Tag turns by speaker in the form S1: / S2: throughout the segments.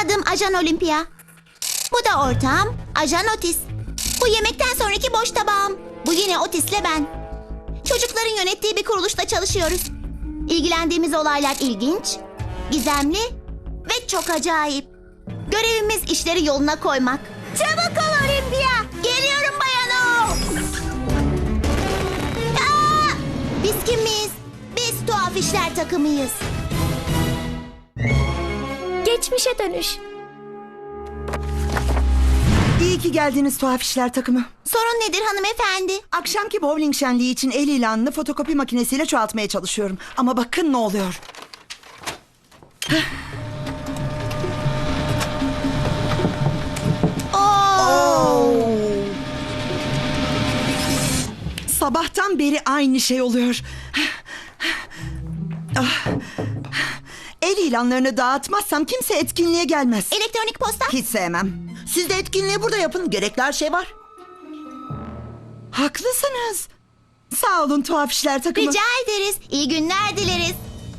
S1: Adım Ajan Olimpia. Bu da ortağım Ajan Otis. Bu yemekten sonraki boş tabağım. Bu yine Otis'le ben. Çocukların yönettiği bir kuruluşta çalışıyoruz. İlgilendiğimiz olaylar ilginç, gizemli ve çok acayip. Görevimiz işleri yoluna koymak. Çabuk ol Olimpia. Geliyorum Bayano. Biz kimiz? Biz tuhaf işler takımıyız.
S2: Geçmişe dönüş.
S3: İyi ki geldiniz tuhaf işler takımı.
S1: Sorun nedir hanımefendi?
S3: Akşamki bowling şenliği için el ilanını fotokopi makinesiyle çoğaltmaya çalışıyorum. Ama bakın ne oluyor. Sabahtan beri aynı şey oluyor. Ah. El ilanlarını dağıtmazsam kimse etkinliğe gelmez.
S1: Elektronik posta?
S3: Hiç sevmem. Siz de etkinliği burada yapın. Gerekli her şey var. Haklısınız. Sağ olun tuhaf işler takımı.
S1: Rica ederiz. İyi günler dileriz.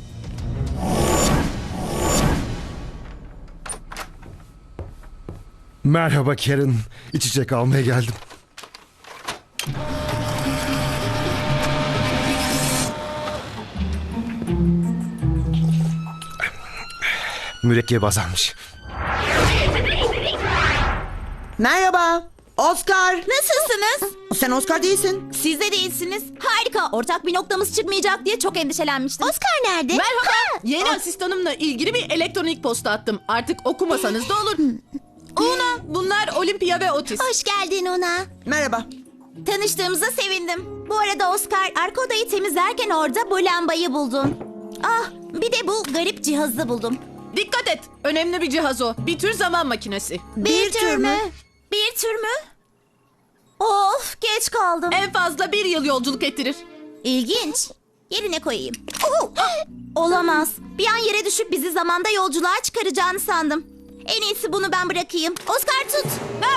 S4: Merhaba Karen. İçecek almaya geldim. Mürekkep azalmış.
S3: Merhaba. Oscar.
S2: Nasılsınız?
S3: Sen Oscar değilsin.
S2: Siz de değilsiniz. Harika. Ortak bir noktamız çıkmayacak diye çok endişelenmiştim.
S1: Oscar nerede?
S5: Merhaba. Yeni asistanımla ilgili bir elektronik posta attım. Artık okumasanız da olur. Una, bunlar Olimpia ve Otis.
S1: Hoş geldin ona.
S3: Merhaba.
S2: Tanıştığımıza sevindim. Bu arada Oscar, arka odayı temizlerken orada bu lambayı buldum. Ah, bir de bu garip cihazı buldum.
S5: Dikkat et. Önemli bir cihaz o. Bir tür zaman makinesi.
S1: Bir tür mü?
S2: Bir tür mü? Of, geç kaldım.
S5: En fazla 1 yıl yolculuk ettirir.
S2: İlginç. Yerine koyayım. Olamaz. Bir an yere düşüp bizi zamanda yolculuğa çıkaracağını sandım. En iyisi bunu ben bırakayım. Oscar tut.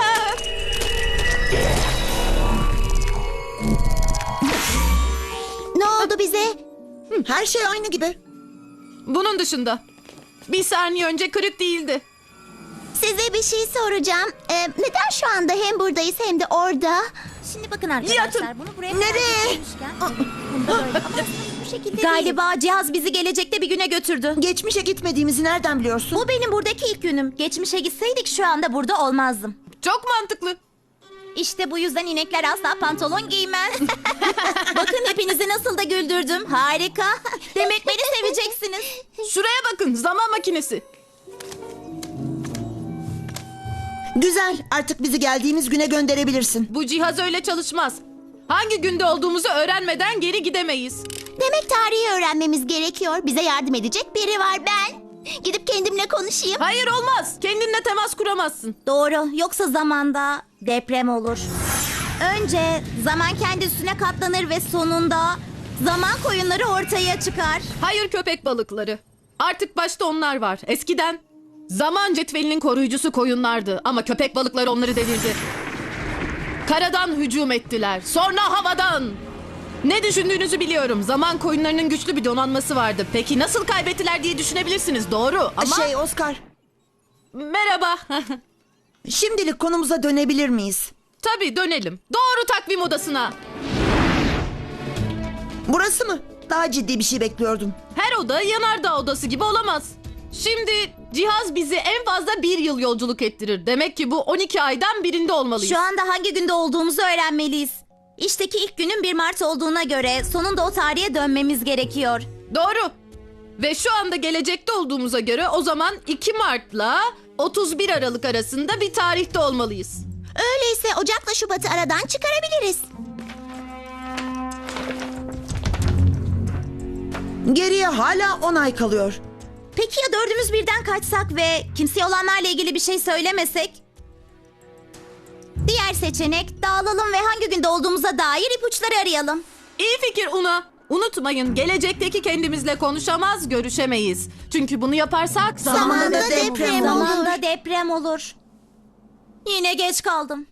S1: Ne oldu bize?
S3: Her şey aynı gibi.
S5: Bunun dışında. Bir saniye önce kırık değildi.
S1: Size bir şey soracağım. Neden şu anda hem buradayız hem de orada?
S2: Şimdi bakın arkadaşlar,
S5: Yatın.
S2: bunu buraya
S3: Nereye?
S2: koymuşken, bunda böyle. Ama aslında bu şekilde değil. Galiba cihaz bizi gelecekte bir güne götürdü.
S3: Geçmişe gitmediğimizi nereden biliyorsun?
S2: Bu benim buradaki ilk günüm. Geçmişe gitseydik şu anda burada olmazdım.
S5: Çok mantıklı.
S2: İşte bu yüzden inekler asla pantolon giymez. Bakın hepinizi nasıl da güldürdüm. Harika. Demek beni seveceksiniz.
S5: Şuraya bakın. Zaman makinesi.
S3: Güzel. Artık bizi geldiğimiz güne gönderebilirsin.
S5: Bu cihaz öyle çalışmaz. Hangi günde olduğumuzu öğrenmeden geri gidemeyiz.
S1: Demek tarihi öğrenmemiz gerekiyor. Bize yardım edecek biri var ben. Gidip kendimle konuşayım.
S5: Hayır olmaz. Kendinle temas kuramazsın.
S2: Doğru. Yoksa zamanda deprem olur. Önce zaman kendi üstüne katlanır ve sonunda zaman koyunları ortaya çıkar.
S5: Hayır köpek balıkları. Artık başta onlar var. Eskiden zaman cetvelinin koruyucusu koyunlardı ama köpek balıkları onları devirdi. Karadan hücum ettiler. Sonra havadan. Ne düşündüğünüzü biliyorum. Zaman koyunlarının güçlü bir donanması vardı. Peki nasıl kaybettiler diye düşünebilirsiniz. Doğru ama...
S3: Oscar.
S5: Merhaba.
S3: Şimdilik konumuza dönebilir miyiz?
S5: Tabii dönelim. Doğru takvim odasına.
S3: Burası mı? Daha ciddi bir şey bekliyordum.
S5: Her oda yanardağ odası gibi olamaz. Şimdi cihaz bizi en fazla 1 yıl yolculuk ettirir. Demek ki bu 12 aydan birinde olmalıyız.
S2: Şu anda hangi günde olduğumuzu öğrenmeliyiz. İşteki ilk günün 1 Mart olduğuna göre sonunda o tarihe dönmemiz gerekiyor.
S5: Doğru. Ve şu anda gelecekte olduğumuza göre o zaman 2 Mart'la 31 Aralık arasında bir tarihte olmalıyız.
S1: Öyleyse Ocak'la Şubat'ı aradan çıkarabiliriz.
S3: Geriye hala 10 ay kalıyor.
S2: Peki ya dördümüz birden kaçsak ve kimseye olanlarla ilgili bir şey söylemesek? Diğer seçenek dağılalım ve hangi günde olduğumuza dair ipuçları arayalım.
S5: İyi fikir Una. Unutmayın gelecekdeki kendimizle konuşamaz, görüşemeyiz. Çünkü bunu yaparsak
S1: Zamanında deprem olur.
S2: Zamanda deprem olur. Yine geç kaldım.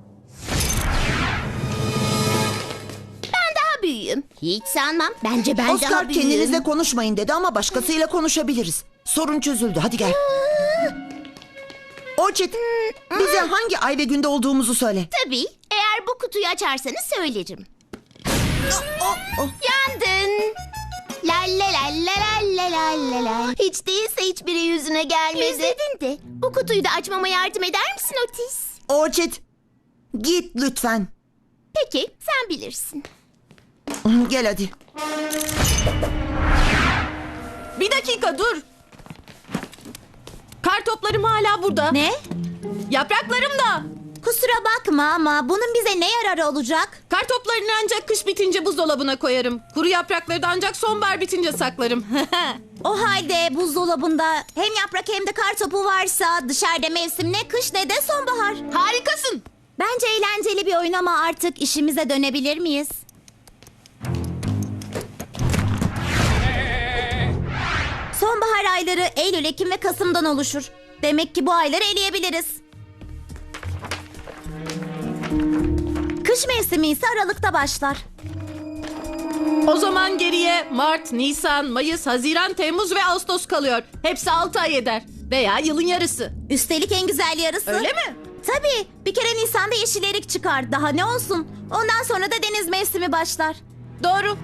S1: Büyüğüm. Hiç sanmam. Bence ben
S3: Oscar
S1: daha büyüğüm.
S3: kendinizle konuşmayın dedi ama başkasıyla konuşabiliriz. Sorun çözüldü. Hadi gel. Orçet, bize hangi ay ve günde olduğumuzu söyle.
S1: Tabii. Eğer bu kutuyu açarsanız söylerim.
S3: Oh.
S1: Yandın. La la la la la la la la. Hiç değilse hiçbiri yüzüne gelmedi. İzledin de. Bu kutuyu da açmama yardım eder misin Otis?
S3: Orçet, git lütfen.
S1: Peki, sen bilirsin.
S3: Gel hadi.
S5: Bir dakika dur. Kar toplarım hala burada.
S2: Ne?
S5: Yapraklarım da.
S2: Kusura bakma ama bunun bize ne yararı olacak?
S5: Kar toplarını ancak kış bitince buzdolabına koyarım. Kuru yaprakları da ancak sonbahar bitince saklarım.
S2: O halde buzdolabında hem yaprak hem de kar topu varsa dışarıda mevsim ne kış ne de sonbahar.
S5: Harikasın.
S2: Bence eğlenceli bir oyun ama artık işimize dönebilir miyiz? Sonbahar ayları Eylül, Ekim ve Kasım'dan oluşur. Demek ki bu ayları eleyebiliriz. Kış mevsimi ise Aralık'ta başlar.
S5: O zaman geriye Mart, Nisan, Mayıs, Haziran, Temmuz ve Ağustos kalıyor. Hepsi 6 ay eder. Veya yılın yarısı.
S2: Üstelik en güzel yarısı.
S5: Öyle mi?
S2: Tabii. Bir kere Nisan'da yeşil erik çıkar. Daha ne olsun? Ondan sonra da deniz mevsimi başlar.
S5: Doğru.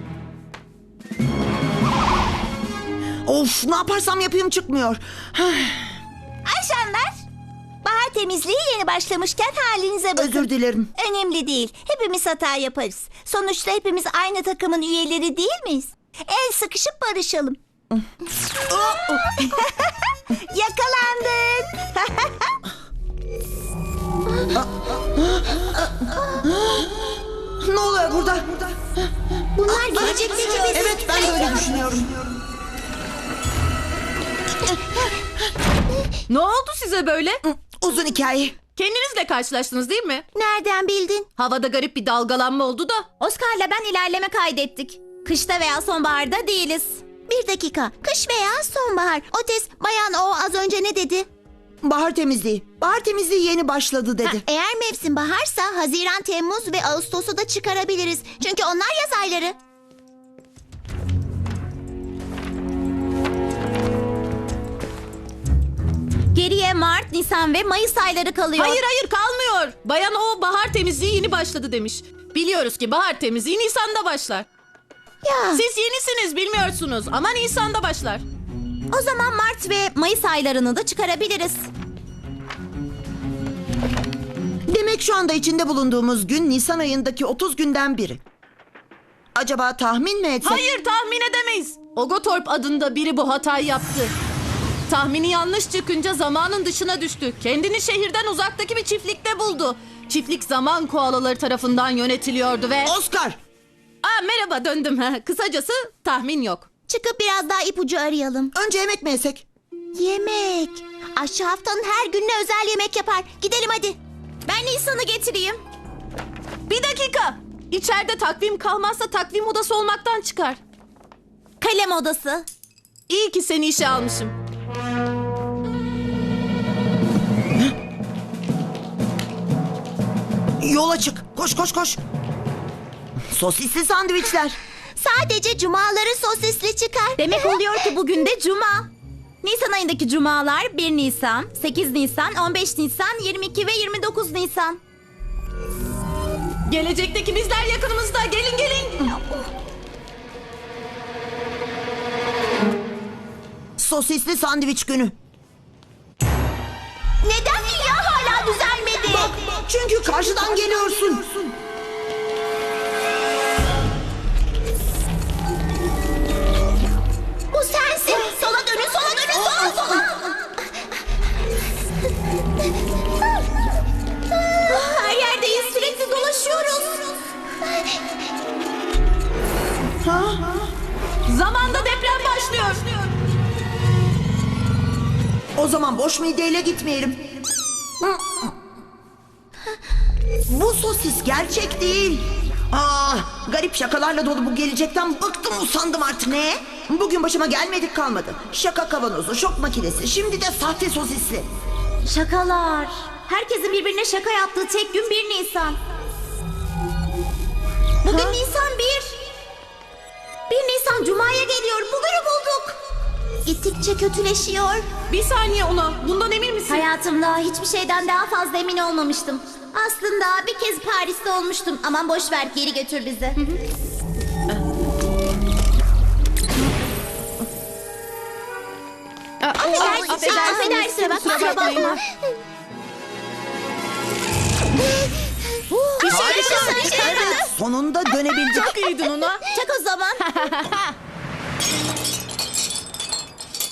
S3: Of, ne yaparsam yapayım çıkmıyor.
S1: Ayşenler, bahar temizliği yeni başlamışken halinize bakın.
S3: Özür dilerim.
S1: Önemli değil. Hepimiz hata yaparız. Sonuçta hepimiz aynı takımın üyeleri değil miyiz? El sıkışıp barışalım. Yakalandın.
S3: Ne oluyor burada?
S1: Bunlar gelecekteki biz.
S3: Evet, ben de öyle düşünüyorum.
S5: Ne oldu size böyle?
S3: Uzun hikaye.
S5: Kendinizle karşılaştınız değil mi?
S1: Nereden bildin?
S5: Havada garip bir dalgalanma oldu da.
S2: Oscar'la ben ilerleme kaydettik. Kışta veya sonbaharda değiliz.
S1: Bir dakika. Kış veya sonbahar. Otis, bayan o az önce ne dedi?
S3: Bahar temizliği. Bahar temizliği yeni başladı dedi.
S1: Eğer mevsim baharsa Haziran, Temmuz ve Ağustos'u da çıkarabiliriz. Çünkü onlar yaz ayları.
S2: Geriye Mart, Nisan ve Mayıs ayları kalıyor.
S5: Hayır kalmıyor. Bayan o bahar temizliği yeni başladı demiş. Biliyoruz ki bahar temizliği Nisan'da başlar.
S1: Ya.
S5: Siz yenisiniz bilmiyorsunuz ama Nisan'da başlar.
S2: O zaman Mart ve Mayıs aylarını da çıkarabiliriz.
S3: Demek şu anda içinde bulunduğumuz gün Nisan ayındaki 30 günden biri. Acaba tahmin mi etsek?
S5: Hayır tahmin edemeyiz. Ogotorp adında biri bu hatayı yaptı. Tahmini yanlış çıkınca zamanın dışına düştü. Kendini şehirden uzaktaki bir çiftlikte buldu. Çiftlik zaman koalaları tarafından yönetiliyordu ve...
S3: Oscar!
S5: Merhaba döndüm. Kısacası tahmin yok.
S1: Çıkıp biraz daha ipucu arayalım.
S3: Önce yemek mi yesek?
S1: Yemek. Aşçı haftanın her gününe özel yemek yapar. Gidelim hadi.
S2: Ben Nisan'ı getireyim.
S5: Bir dakika. İçeride takvim kalmazsa takvim odası olmaktan çıkar.
S2: Kalem odası.
S5: İyi ki seni işe almışım.
S3: Yola çık. Koş koş koş. Sosisli sandviçler.
S1: Sadece cumaları sosisli çıkar.
S2: Demek oluyor ki bugün de Cuma. Nisan ayındaki cumalar 1 Nisan, 8 Nisan, 15 Nisan, 22 ve 29 Nisan.
S5: Gelecekteki bizler yakınımızda. Gelin.
S3: Sosisli sandviç günü.
S1: Neden dünya hala düzelmedi?
S3: Çünkü karşıdan geliyorsun.
S1: Bu sensin. Sola dönün, sola dönün, sola.
S2: Her yerdeyiz, sürekli dolaşıyoruz.
S5: Zamanda deprem başlıyor.
S3: O zaman boş mideyle gitmeyelim. Bu sosis gerçek değil. Garip şakalarla dolu bu gelecekten bıktım usandım artık. Ne? Bugün başıma gelmedik kalmadı. Şaka kavanozu, şok makinesi, şimdi de sahte sosisli.
S2: Şakalar. Herkesin birbirine şaka yaptığı tek gün 1 Nisan. Bugün Nisan 1. 1 Nisan Cuma'ya geliyor. Bugünü bulduk.
S1: gittikçe kötüleşiyor.
S5: Bir saniye Una. Bundan emin misin?
S2: Hayatımda hiçbir şeyden daha fazla emin olmamıştım. Aslında bir kez Paris'te olmuştum. Aman boş ver, geri götür bizi.
S1: Affedersin, kusura bakma.
S3: Evet, sonunda dönebildik.
S5: Çok iyiydin Una.
S2: Çak o zaman.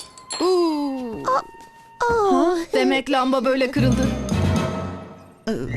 S5: Demek lamba böyle kırıldı.